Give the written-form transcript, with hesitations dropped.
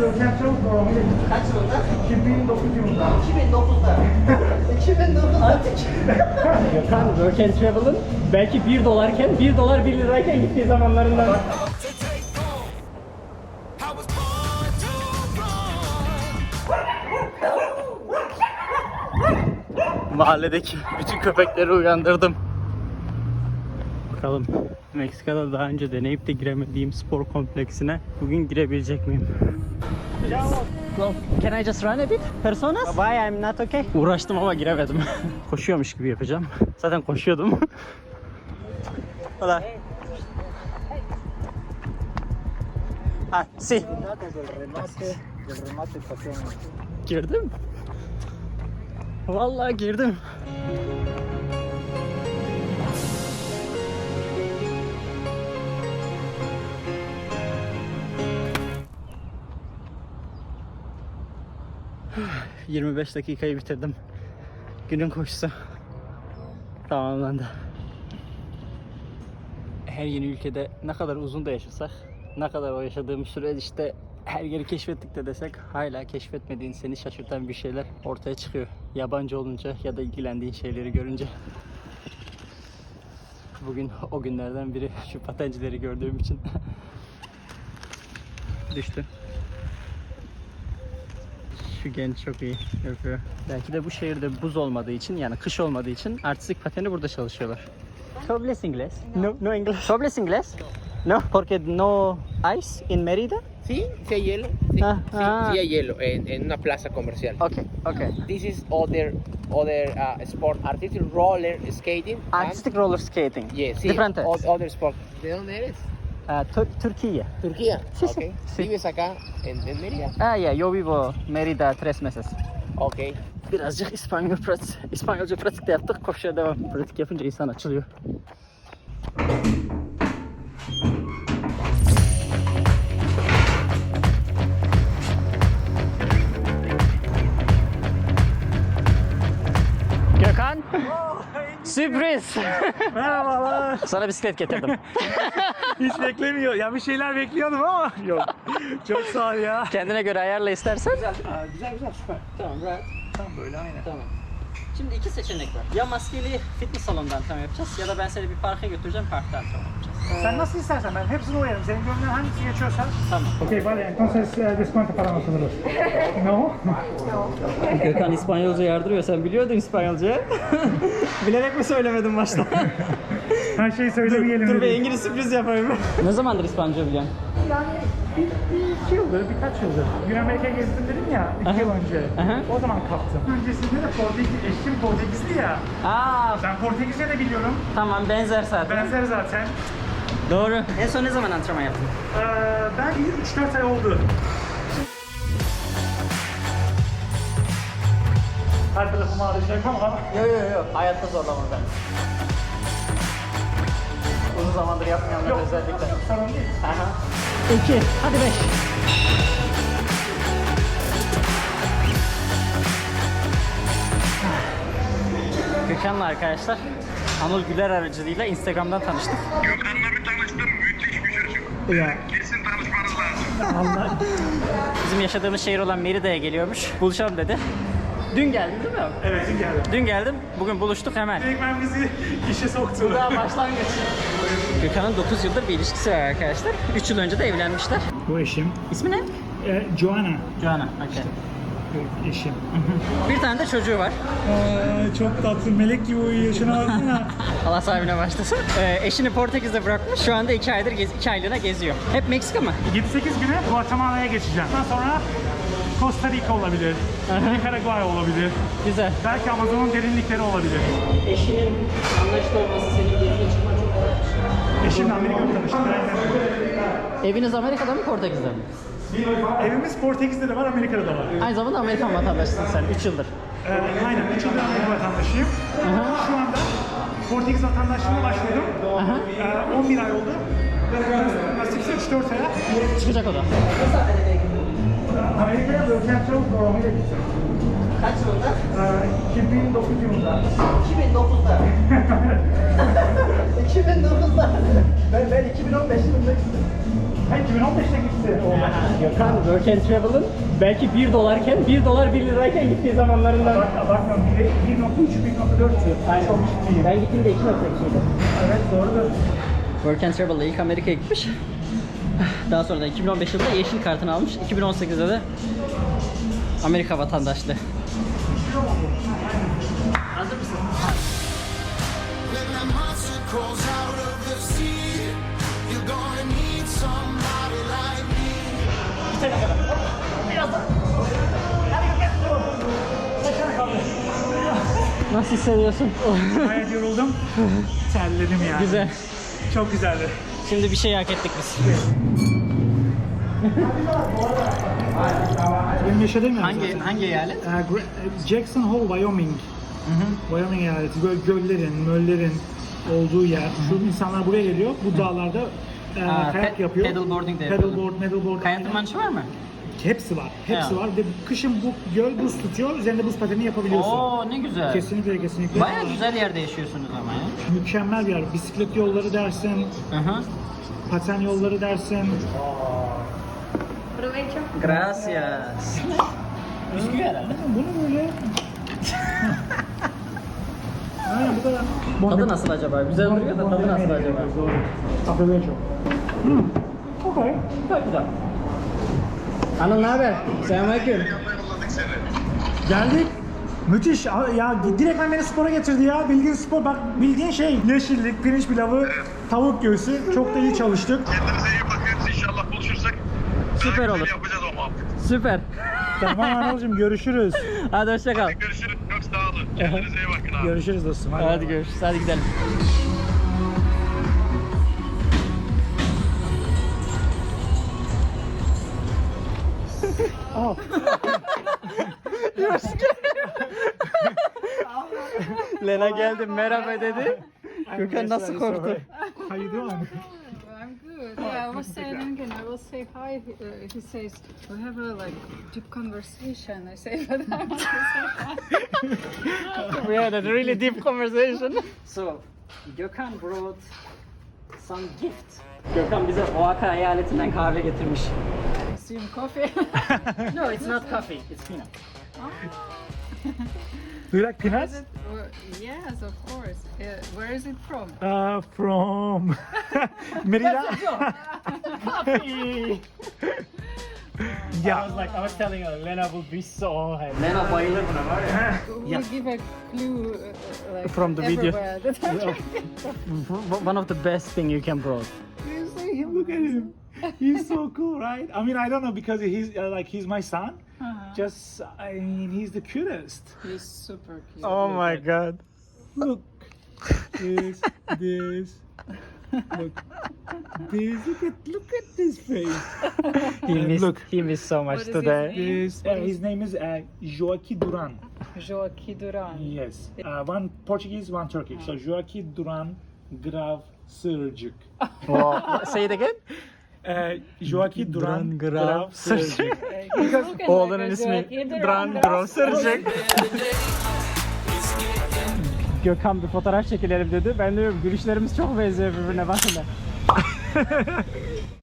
Kaç yılında? 2009 yılında. 2009'da. 2009'da. Gökhan Work and Travel'ın belki $1 1 dolar 1 lirayken gittiği zamanlarından. Mahalledeki bütün köpekleri uyandırdım. Bakalım Meksika'da daha önce deneyip de giremediğim spor kompleksine bugün girebilecek miyim? Can I just run a bit? Personas? Why I'm not okay? Uğraştım ama giremedim. Koşuyormuş gibi yapacağım. Zaten koşuyordum. Hola. Ah, sí. Girdim. Vallahi girdim. ...25 dakikayı bitirdim. Günün koşusu tamamlandı. Her yeni ülkede ne kadar uzun da yaşasak, ne kadar o yaşadığım süreçte her yeri keşfettik de desek, hala keşfetmediğin, seni şaşırtan bir şeyler ortaya çıkıyor. Yabancı olunca ya da ilgilendiğin şeyleri görünce. Bugün o günlerden biri, şu patencileri gördüğüm için. Düştü. Şu genç çok iyi yapıyor. Belki de bu şehirde buz olmadığı için, yani kış olmadığı için artistik pateni burada çalışıyorlar. ¿Hablas inglés? No, no inglés. ¿Hablas inglés? No, porque no ice in Mérida. Sí, sí hay hielo. Sí, Ah, sí, ah. sí hay hielo en una plaza comercial. Okay, okay. This is other sport, artistic roller skating. Artistic roller skating. Yes, sí, Diferentes. other sport. ¿De dónde eres? Türkiye. Turquía. Sí, sí, Okay. sí. ¿Vives acá en Mérida? Ah, ya, yo vivo Mérida 3 meses. Okay. Birazcık İspanyolca pratik de yaptık. Koşuya devam. Pratik yapınca insan açılıyor. Gökhan. Sürpriz. Merhabalar. Sana bisiklet getirdim. Hiç beklemiyor. Ya bir şeyler bekliyordum ama yok. Çok sağ ol ya. Kendine göre ayarla istersen. Güzel süper. Tamam, rahat. Tam böyle aynen. Tamam. Şimdi iki seçenek var. Ya maskeli fitness salonunda antrenman yapacağız ya da ben seni bir parka götüreceğim, parkta antrenman yapacağız. Sen nasıl istersen ben hepsini uyarım. Senin gönlünden hangisi geçiyorsa. Tamam. Okay, vale. Entonces descuento para nosotros. No? Gökhan İspanyolca yardırıyor. Sen biliyordun İspanyolca. Bilerek mi söylemedin başta? Her şeyi söylemeyelim. Dur bir dedik. İngiliz sürpriz yapayım. Ne zamandır İspanyolca biliyorsun? Yani bir iki yıldır, birkaç yıldır. Güney Amerika'ya gezdim dedim ya, 2 yıl önce. O zaman kaptım. Öncesinde de eşim Portekizli ya. Aa, Ben Portekizce de biliyorum. tamam, benzer zaten. Benzer zaten. Doğru. En son ne zaman antrenman yaptın? Ben 3-4 ay oldu. Her tarafımı ağrıyacak ama. Yok. Hayatta zorlamam ben. Uzun zamandır yapmayanlar Yok, özellikle. sorun değil. Aha. 2, hadi 5. Gökhan'la arkadaşlar Anıl Güler aracılığıyla Instagram'dan tanıştık. Gökhan'la bir tanıştım. Müthiş bir çocuk. Ya. Kesin tanışmanız lazım. Allah. Bizim yaşadığımız şehir olan Merida'ya geliyormuş. Buluşalım dedi. Dün geldin değil mi? Evet, dün geldim. Dün geldim. Bugün buluştuk hemen. Direktmen bizi işe soktu. Bu daha başlangıç. Gökhan'ın 9 yıldır bir ilişkisi var arkadaşlar. 3 yıl önce de evlenmişler. Bu eşim. İsmi ne? Joanna. Joanna. Okay. Eşim. Bir tane de çocuğu var. Çok tatlı, melek gibi uyuyor. Şuna baksana. Allah sahibine başlasın. Eşini Portekiz'de bırakmış. Şu anda 2 aydır 2 aylığına geziyor. Hep Meksika mı? 7-8 güne Guatemala'ya geçeceğim. Ondan sonra Costa Rica olabilir. Nikaragua olabilir. Güzel. Belki Amazon'un derinlikleri olabilir. Eşinin anlaşılı olması, senin geziye çıkman çok güzel. Eşimle Amerika'da tanıştık. Aynen. Eviniz Amerika'da mı, Portekiz'de mi? Evimiz Portekiz'de de var, Amerika'da da var. Aynı zamanda Amerikan vatandaşısın sen 3 yıldır. Aynen, 3 yıldır Amerika vatandaşıyım. Şu anda Portekiz vatandaşlığına başladım. 11 ay oldu. Nasipse 3-4 aya. Çıkacak o da. Amerika'ya Work and Travel programıyla gittim. Kaç yılında? 2009 yılında. 2009'da. 2009'da. Ben 2015 yılında gittim. Hayır 2015'te gitti. Gökhan Work and Travel'ın belki $1 1 dolar 1 lirayken gittiği zamanlarından. Bakmıyorum 1.3 1.4'tü. Çok ciddiyim. Ben gittiğimde 2.2'ydi. Evet doğrudur. Work and Travel'la ilk Amerika'ya gitmiş. Daha sonra da 2015 yılında yeşil kartını almış. 2018'de de Amerika vatandaşlığı. Hazır mısın? When that monster crawls out of the sea, you're gonna need somebody like me. Nasıl hissediyorsun? Gayet yoruldum. Terledim yani. Güzel. Çok güzeldi. Şimdi bir şey hak ettik biz. Benim yaşadığım yer zaten. Hangi eyalet? Jackson Hole, Wyoming. Wyoming eyaleti. Böyle göllerin, möllerin olduğu yer. Şu insanlar buraya geliyor. Bu dağlarda kayak yapıyor. Paddleboarding de yapıyorlar. Paddleboard. Kayak aynen. tırmanışı var mı? Hepsi var. Hepsi Ya. var. Ve kışın bu göl buz tutuyor. Üzerinde buz pateni yapabiliyorsun. Oo ne güzel. Kesinlikle. Bayağı güzel yerde yaşıyorsunuz ama ya. Mükemmel bir yer. Bisiklet yolları dersin, paten yolları dersin. Gracias. Bisküvi herhalde. Bunu böyle... Aynen bu da... Tadı nasıl acaba? Güzel duruyor da tadı nasıl acaba? Doğru. Aferin çok. Okay. Çok güzel. Anıl ne haber? Selamünaleyküm. Yolladık seni. Geldik. Müthiş. Ya direkt beni spora getirdi ya. Bildiğin spor. Bak bildiğin şey. Yeşillik, pirinç pilavı, tavuk göğsü. Çok da iyi çalıştık. Kendinize iyi bakın. İnşallah buluşursak. Süper daha güzel olur. Yapacağız o muhabbeti. Süper. Tamam Anıl'cığım görüşürüz. Hadi hoşça kal. Görüşürüz. Çok sağ olun. Kendinize iyi bakın abi. Görüşürüz dostum. Hadi görüşürüz. Hadi gidelim. Oh. Lena geldi merhaba dedi. Gökhan nasıl korktu? How you doing? I'm good. Yeah, I was saying again. I will say hi. He says we have a like deep conversation. I say, but I want to say hi. We had a really deep conversation. So, Gökhan brought some gift. Gökhan bize Oaxaca eyaletinden kahve getirmiş. Assume coffee. No, it's not coffee. It's peanut. Do you like peanuts? Yes, of course. Where is it from? From Merida. Coffee. Yeah. I was telling her, Lena will be so happy. Lena bayılır buna var ya. We'll give a clue like From the video. everywhere that One of the best thing you can brought. You see him, look at him. He's so cool, right? I mean, I don't know because he's he's my son. Just, I mean, he's the cutest. He's super cute. Oh my god. Look, this. Look at this face. He missed so much What is today. his name? His name is Joaquim Duran. Joaquim Duran. Yes. One Portuguese, one Turkish. So Joaquim Duran Grav Sırcık. Say it again. Joaquim Duran Grav Sırcık. He's looking Oğlunun like a ismi Joaquim Duran Duran. Grossercik. Gökhan bir fotoğraf çekilelim dedi. Ben de diyorum gülüşlerimiz çok benziyor birbirine bakın da.